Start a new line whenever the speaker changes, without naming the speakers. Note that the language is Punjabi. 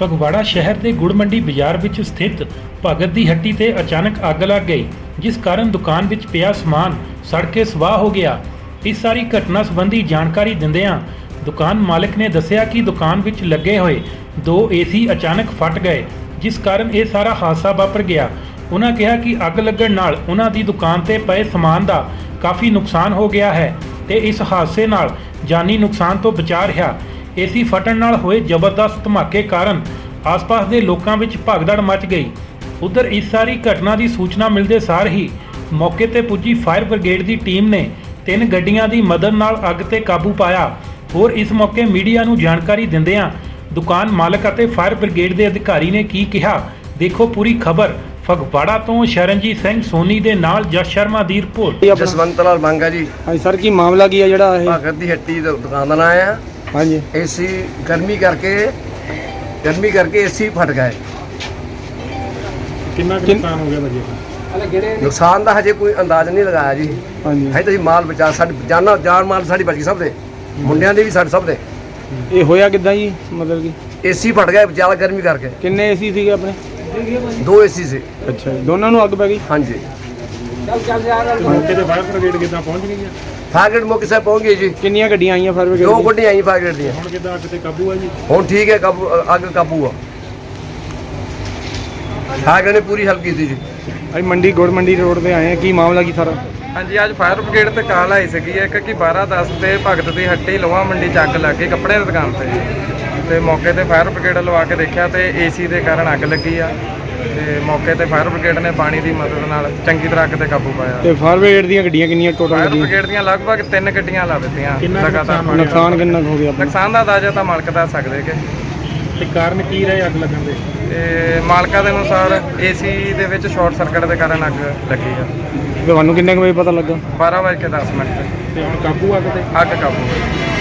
ਫਗਵਾੜਾ ਸ਼ਹਿਰ ਦੇ ਗੁੜ ਮੰਡੀ ਬਾਜ਼ਾਰ ਵਿੱਚ ਸਥਿਤ ਭਗਤ ਦੀ ਹੱਟੀ ਤੇ ਅਚਾਨਕ ਅੱਗ ਲੱਗ ਗਈ, ਜਿਸ ਕਾਰਨ ਦੁਕਾਨ ਵਿੱਚ ਪਿਆ ਸਮਾਨ ਸੜ ਕੇ ਸਵਾਹ ਹੋ ਗਿਆ। ਇਸ ਸਾਰੀ ਘਟਨਾ ਸੰਬੰਧੀ ਜਾਣਕਾਰੀ ਦਿੰਦਿਆਂ ਦੁਕਾਨ ਮਾਲਕ ਨੇ ਦੱਸਿਆ ਕਿ ਦੁਕਾਨ ਵਿੱਚ ਲੱਗੇ ਹੋਏ 2 ਏਸੀ ਅਚਾਨਕ ਫਟ ਗਏ, ਜਿਸ ਕਾਰਨ ਇਹ ਸਾਰਾ ਹਾਦਸਾ ਵਾਪਰ ਗਿਆ। ਉਹਨਾਂ ਕਿਹਾ ਕਿ ਅੱਗ ਲੱਗਣ ਨਾਲ ਉਹਨਾਂ ਦੀ ਦੁਕਾਨ ਤੇ ਪਏ ਸਮਾਨ ਦਾ ਕਾਫੀ ਨੁਕਸਾਨ ਹੋ ਗਿਆ ਹੈ ਤੇ ਇਸ ਹਾਦਸੇ ਨਾਲ ਜਾਨੀ ਨੁਕਸਾਨ ਤੋਂ ਬਚਾ ਰਿਹਾ। ਏਸੀ ਫਟਣ ਨਾਲ ਹੋਏ ਜ਼ਬਰਦਸਤ ਧਮਾਕੇ ਕਾਰਨ ਆਸ-ਪਾਸ ਦੇ ਲੋਕਾਂ ਵਿੱਚ ਭਗਦੜ ਮਚ ਗਈ। ਉਧਰ ਇਸ ਸਾਰੀ ਘਟਨਾ ਦੀ ਸੂਚਨਾ ਮਿਲਦੇ ਸਾਰ ਹੀ ਮੌਕੇ ਤੇ ਪੁੱਜੀ ਫਾਇਰ ਬ੍ਰਿਗੇਡ ਦੀ ਟੀਮ ਨੇ 3 ਗੱਡੀਆਂ ਦੀ ਮਦਦ ਨਾਲ ਅੱਗ ਤੇ ਕਾਬੂ ਪਾਇਆ। ਹੋਰ ਇਸ ਮੌਕੇ ਮੀਡੀਆ ਨੂੰ ਜਾਣਕਾਰੀ ਦਿੰਦਿਆਂ ਦੁਕਾਨ ਮਾਲਕ ਅਤੇ ਫਾਇਰ ਬ੍ਰਿਗੇਡ ਦੇ ਅਧਿਕਾਰੀ ਨੇ ਕੀ ਕਿਹਾ, ਦੇਖੋ ਪੂਰੀ ਖਬਰ। ਫਗਵਾੜਾ ਤੋਂ ਸ਼ਰਨਜੀਤ ਸਿੰਘ ਸੋਨੀ ਦੇ ਨਾਲ ਜਸ ਸ਼ਰਮਾ ਦੀ ਰਿਪੋਰਟ।
ਜਸਵੰਤ ਲਾਲ ਮੰਗਾ ਜੀ।
ਹਾਂਜੀ ਸਰ, ਕੀ ਮਾਮਲਾ ਕੀ ਹੈ ਜਿਹੜਾ ਇਹ?
ਭਗਤ ਦੀ ਹੱਟੀ ਦਾ ਦੁਕਾਨ ਦਾ ਨਾਂ ਆ।
ਹਾਂਜੀ,
ਏਸੀ ਗਰਮੀ ਕਰਕੇ ਏਸੀ ਫਟ ਗਏ।
ਕਿੰਨਾ ਨੁਕਸਾਨ ਹੋ ਗਿਆ ਭਾਜੀ?
ਨੁਕਸਾਨ ਦਾ ਹਜੇ ਕੋਈ ਅੰਦਾਜ਼ ਨਹੀਂ ਲਗਾਇਆ ਜੀ।
ਹਾਂਜੀ,
ਹਜੇ ਤੁਸੀਂ ਮਾਲ ਬਚਾ, ਸਾਡੀ ਜਾਨ ਮਾਲ ਸਾਡੀ ਬਚ ਗਈ, ਸਭ ਦੇ ਮੁੰਡਿਆਂ ਦੇ ਵੀ, ਸਾਡੇ ਸਭ ਦੇ।
ਇਹ ਹੋਇਆ ਕਿੱਦਾਂ ਜੀ? ਮਤਲਬ ਕਿ
ਏਸੀ ਫਟ ਗਏ ਜ਼ਿਆਦਾ ਗਰਮੀ ਕਰਕੇ।
ਕਿੰਨੇ ਏਸੀ ਸੀਗੇ ਆਪਣੇ?
2 ਏਸੀ ਸੀ।
ਅੱਛਾ ਜੀ, ਦੋਨਾਂ ਨੂੰ ਅੱਗ ਪੈ ਗਈ?
ਹਾਂਜੀ।
ਮੌਕੇ ਤੇ ਫਾਇਰ ਬ੍ਰਿਗੇਡ ਕਿੱਦਾਂ ਪਹੁੰਚ ਗਈ ਹੈ?
ਫਾਇਰ ਬ੍ਰਿਗੇਡ ਮੌਕੇ ਸਾਹਿਬ ਪਹੁੰਚ ਗਏ ਜੀ।
ਕਿੰਨੀਆਂ ਗੱਡੀਆਂ ਆਈਆਂ ਫਾਇਰ ਬ੍ਰਿਗੇਡ
2 ਗੱਡੀਆਂ ਆਈਆਂ ਫਾਇਰ ਬ੍ਰਿਗੇਡ ਦੀਆਂ।
ਹੁਣ ਕਿੱਦਾਂ ਅੱਗ ਤੇ ਕਾਬੂ ਹੈ ਜੀ?
ਹੁਣ ਠੀਕ ਹੈ, ਅੱਗ ਕਾਬੂ ਆ। ਫਾਇਰ ਬ੍ਰਿਗੇਡ ਨੇ ਪੂਰੀ ਹੈਲਪ ਕੀਤੀ ਜੀ।
ਅਸੀਂ ਮੰਡੀ ਗੁੜ ਮੰਡੀ ਰੋਡ ਤੇ ਆਏ ਆ, ਕੀ ਮਾਮਲਾ ਕੀ ਸਾਰਾ?
ਹਾਂਜੀ, ਅੱਜ ਫਾਇਰ ਬ੍ਰਿਗੇਡ ਤੇ ਕਾਲ ਆਈ ਸੀਗੀ ਇੱਕ ਕਿ 12:10 ਤੇ ਭਗਤ ਦੀ ਹੱਟੀ ਲੋਹਾ ਮੰਡੀ ਚ ਅੱਗ ਲੱਗ ਗਈ ਕੱਪੜੇ ਦੀ ਦੁਕਾਨ ਤੇ ਮੌਕੇ ਤੇ ਫਾਇਰ ਬ੍ਰਿਗੇਡ ਲਵਾ ਕੇ ਦੇਖਿਆ ਤੇ ਏਸੀ ਦੇ ਕਾਰਨ ਅੱਗ ਲੱਗੀ ਆ ਤੇ ਮੌਕੇ ਤੇ ਫਾਇਰ ਬ੍ਰਿਗੇਡ ਨੇ ਪਾਣੀ ਦੀ ਮਦਦ ਨਾਲ ਚੰਗੀ ਤਰ੍ਹਾਂ ਅੱਗ ਤੇ ਕਾਬੂ ਪਾਇਆ।
ਤੇ ਫਾਇਰ ਬ੍ਰਿਗੇਡ ਦੀਆਂ ਗੱਡੀਆਂ ਕਿੰਨੀਆਂ ਟੋਟਲ?
ਫਾਇਰ ਬ੍ਰਿਗੇਡ ਦੀਆਂ ਲਗਭਗ 3 ਗੱਡੀਆਂ ਲਾ ਦਿੱਤੀਆਂ ਲਗਾਤਾਰ।
ਨੁਕਸਾਨ ਕਿੰਨਾ ਕੁ ਹੋ ਗਿਆ ਆਪਣਾ?
ਨੁਕਸਾਨ ਦਾ ਅੰਦਾਜ਼ਾ ਤਾਂ ਮਾਲਕ ਦੱਸ ਸਕਦੇ ਕਿ
ਤੇ ਕਾਰਨ ਕੀ ਰਹੇ ਅੱਗ ਲੱਗਣ ਦੇ?
ਤੇ ਮਾਲਕਾਂ ਦੇ ਅਨੁਸਾਰ ਏਸੀ ਦੇ ਵਿੱਚ ਸ਼ਾਰਟ ਸਰਕਟ ਦੇ ਕਾਰਨ ਅੱਗ ਲੱਗੀ ਆ।
ਤੁਹਾਨੂੰ ਕਿੰਨੇ ਕੁ ਵਜੇ ਪਤਾ ਲੱਗਾ?
12:10
ਤੇ ਹੁਣ ਕਾਬੂ ਅੱਗ ਤੇ?
ਅੱਗ ਕਾਬੂ